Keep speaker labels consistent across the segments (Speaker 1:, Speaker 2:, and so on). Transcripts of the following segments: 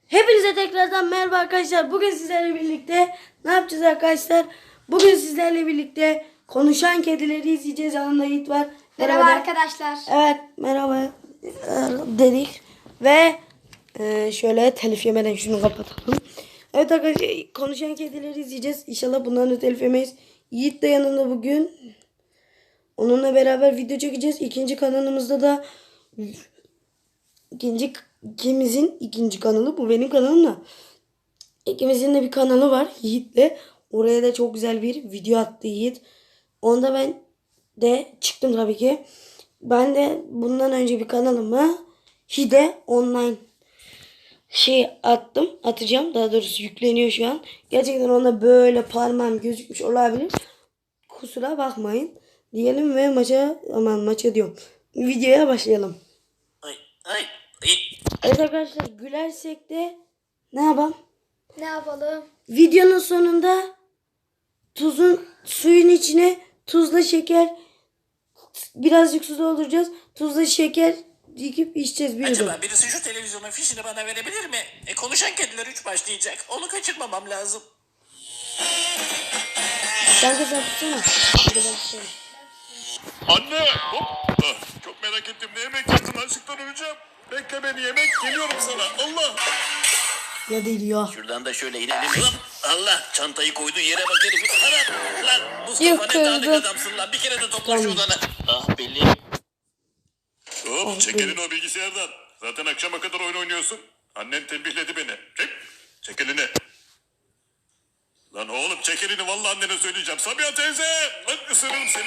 Speaker 1: Hepinize tekrardan merhaba arkadaşlar. Bugün sizlerle birlikte ne yapacağız arkadaşlar? Bugün sizlerle birlikte konuşan kedileri izleyeceğiz. Yanımda Yiğit var.
Speaker 2: Merhaba arkadaşlar.
Speaker 1: Evet merhaba dedik. Ve şöyle telif yemeden şunu kapatalım. Evet arkadaşlar konuşan kedileri izleyeceğiz. İnşallah bundan da telif yemeyiz. Yiğit de yanında bugün. Onunla beraber video çekeceğiz. İkinci kanalımızda da ikimizin ikinci kanalı, bu benim kanalım da. İkimizin de bir kanalı var Yiğit'le. Oraya da çok güzel bir video attı Yiğit. Onda ben de çıktım tabii ki. Ben de bundan önce bir kanalıma Hide Online atacağım. Daha doğrusu yükleniyor şu an. Gerçekten onda böyle parmağım gözükmüş olabilir. Kusura bakmayın diyelim ve maça diyorum. Videoya başlayalım.
Speaker 3: Ay.
Speaker 1: Evet arkadaşlar, gülersek de ne yapalım?
Speaker 2: Ne yapalım?
Speaker 1: Videonun sonunda suyun içine tuzla şeker, birazcık su dolduracağız. Tuzla şeker dikip içeceğiz bir yudum.
Speaker 3: Acaba birisi şu televizyonun fişini bana verebilir mi? Konuşan kediler 3 başlayacak. Onu kaçırmamam lazım.
Speaker 1: Sen tutsana. Hadi ben tutayım.
Speaker 4: Anne! Hop! Çok merak ettim. Ne yemek yaptın? Açlıktan öleceğim. Bekle beni, yemek geliyorum sana. Allah!
Speaker 1: Ya değil ya.
Speaker 3: Şuradan da şöyle inelim. Hop! Allah! Çantayı koyduğu yere bak herif. Ana! Lan Mustafa
Speaker 1: Yıkıldı.
Speaker 3: ne dağınık adamsın lan. Bir kere de topla
Speaker 1: Tamam.
Speaker 3: şuradan. Ah belli.
Speaker 4: Hop! Çek elini o bilgisayardan. Zaten akşama kadar oyun oynuyorsun. Annen tembihledi beni. Çek elini. Lan oğlum çek elini. Vallahi annene söyleyeceğim. Sabiha teyze! Lan ısırırım seni.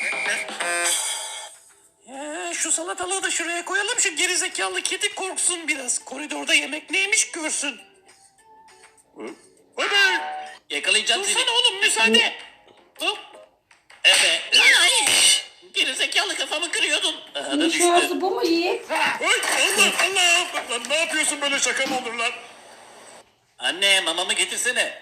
Speaker 3: Şu salatalığı da şuraya koyalım. Şu gerizekalı kedi korksun biraz. Koridorda yemek neymiş görsün.
Speaker 4: Hadi!
Speaker 3: Yakalayacağım seni. Dursana oğlum müsaade. Hop. Evet. Ay. Gerizekalı kafamı kırıyordun. Aha da düştü.
Speaker 1: Şurası bu mu Yiğit?
Speaker 4: Ay Allah Allah! Lan ne yapıyorsun, böyle şaka mı olur lan?
Speaker 3: Anne mamamı getirsene.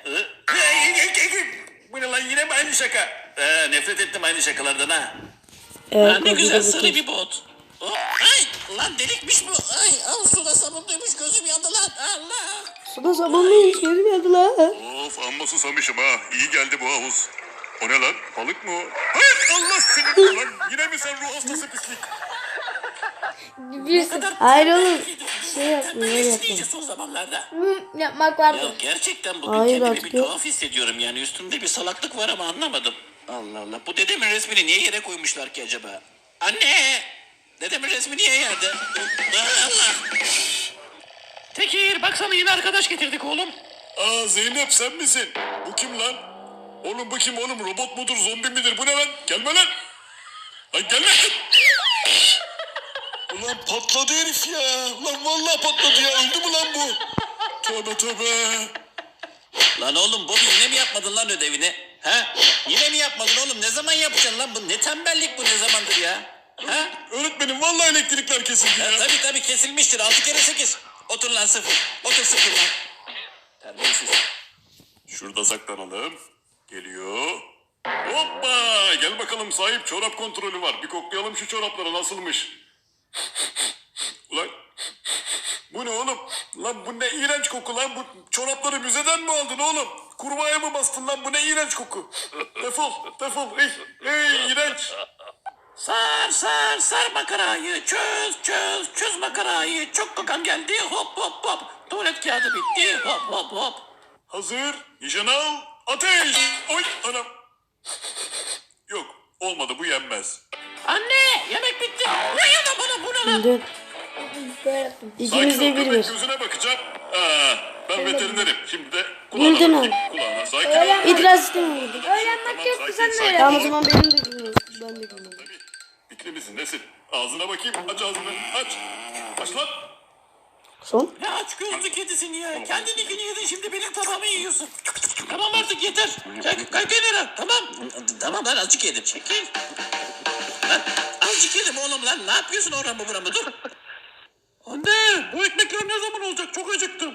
Speaker 4: Bu ne lan, yine mi aynı şaka?
Speaker 3: Nefret ettim aynı şakalardan ha.
Speaker 1: Evet,
Speaker 3: Ne güzel
Speaker 1: kocaman
Speaker 3: sarı bir bot. Hop, ay lan delikmiş bu. Ay al suda sabunluymuş gözüm yandı lan. Allah.
Speaker 1: Suda sabunluymuş, gözüm yandı lan.
Speaker 4: Of, amma susamışım ha. İyi geldi bu havuz. O ne lan? Balık mı o? Hayır, Allah seni lan. Yine mi sen ruh hastası pislik?
Speaker 2: Bir
Speaker 1: Hayır oğlum. Şey yaptım, öyle
Speaker 3: Tembelleşti
Speaker 1: yaptım.
Speaker 3: iyice son zamanlarda.
Speaker 2: yapmak
Speaker 3: Ya
Speaker 2: vardı.
Speaker 3: gerçekten bugün
Speaker 1: Hayır,
Speaker 3: kendimi
Speaker 1: artık
Speaker 3: bir
Speaker 1: yok.
Speaker 3: tuhaf hissediyorum yani. Üstümde bir salaklık var ama anlamadım. Allah Allah. Bu dedemin resmini niye yere koymuşlar ki acaba? Anne! Dedemin resmi niye yerde? Allah! Tekir baksana yine arkadaş getirdik oğlum.
Speaker 4: Aa, Zeynep sen misin? Bu kim lan? Oğlum bu kim oğlum? Robot mudur, zombi midir? Bu ne lan? Gelme lan. Lan gelme. Ulan patladı herif ya. Ulan vallahi patladı ya. Öldü mü lan bu? Tövbe tövbe.
Speaker 3: Lan oğlum Bobby yine mi yapmadın lan ödevini? Ha? Yine mi yapmadın oğlum? Ne zaman yapacaksın lan bu? Ne tembellik bu, ne zamandır ya? Ha?
Speaker 4: Öğretmenim vallahi elektrikler kesildi ya.
Speaker 3: Tabii kesilmiştir. 6 kere 8. Otur lan 0. Otur 0 lan. Terbiyesiz.
Speaker 4: Şurada saklanalım. Geliyor. Hoppa! Gel bakalım sahip, çorap kontrolü var. Bir koklayalım şu çorapları nasılmış. Ulan bu ne oğlum? Lan bu ne iğrenç koku lan. Bu çorapları müzeden mi aldın oğlum? Kurbağaya mı bastın lan? Bu ne iğrenç koku. Defol. Ey iğrenç.
Speaker 3: Sar makarayı. Çöz makarayı. Çok kokam geldi. Hop. Tuvalet kağıdı bitti. Hop.
Speaker 4: Hazır. Nişan al. Ateş. Oy anam. Yok olmadı, bu yenmez.
Speaker 3: Anne yemek bitti. Ne yana bana bu ne lan?
Speaker 1: Şimdi
Speaker 2: Böyle yaptım.
Speaker 1: ikimiz
Speaker 4: Sakin
Speaker 1: de
Speaker 4: ol,
Speaker 1: bir
Speaker 4: köpek
Speaker 1: bir.
Speaker 4: gözüne bakacağım. Ben veterinerim. Şimdi de
Speaker 1: Bildin
Speaker 4: kulağına
Speaker 1: mi?
Speaker 4: bakayım. Kulağına sakin ol.
Speaker 1: İtiraz istemiyorum.
Speaker 2: Öğrenmek yok ki sen de
Speaker 4: sakin.
Speaker 2: öyle.
Speaker 1: Tamam o zaman benim de günüm. Ben de günüm.
Speaker 4: Tabii. Bitli misin nesin? Ağzına bakayım. Aç ağzını. Aç. Aç lan.
Speaker 1: Son.
Speaker 3: Ne aç gözlü kedisin ya. Kendininkini yedin, şimdi benim tabağımı yiyorsun. Tamam artık yeter. Kalk kenara. Tamam lan azıcık yedim. Çekil. Lan azıcık yedim oğlum lan. Ne yapıyorsun oramı buramı, dur. Anne bu ekmekler ne zaman olacak? Çok acıktım.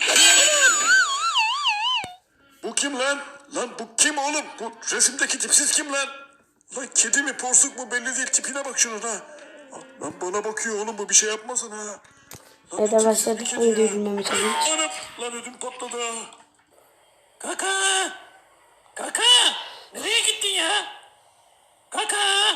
Speaker 4: Bu kim lan? Lan bu kim oğlum? Bu resimdeki tipsiz kim lan? Lan kedi mi porsuk mu belli değil. Tipine bak şunun ha. Lan bana bakıyor oğlum, bu bir şey yapmasın ha.
Speaker 1: Evet arkadaşlar lütfen videoyu bilmeme çalışın.
Speaker 4: Anam lan ödüm patladı.
Speaker 3: Kaka. Kaka. Nereye gittin ya? Kaka.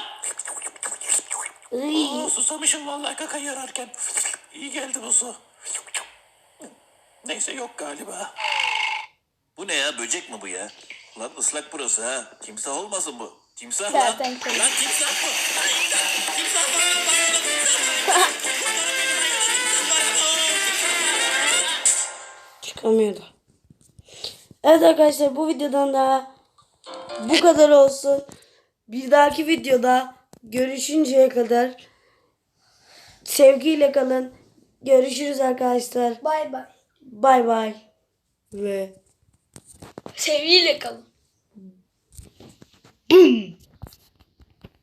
Speaker 3: Oo, susamışım vallahi kaka yararken. İyi geldi bu su. Neyse yok galiba. Bu ne ya, böcek mi bu ya? Lan ıslak burası ha. Timsah olmasın bu. Timsah lan.
Speaker 2: Kertenkele.
Speaker 3: Lan timsah bu. Lan imdat. Timsah var. Lan timsah var. Kurtarın beni, hayır, timsah var.
Speaker 1: Çıkamıyordu. Evet arkadaşlar bu videodan da bu kadar olsun. Bir dahaki videoda görüşünceye kadar sevgiyle kalın. Görüşürüz arkadaşlar.
Speaker 2: Bay bay.
Speaker 1: Bay bay. Ve
Speaker 2: Sevgiyle kalın.
Speaker 1: boom.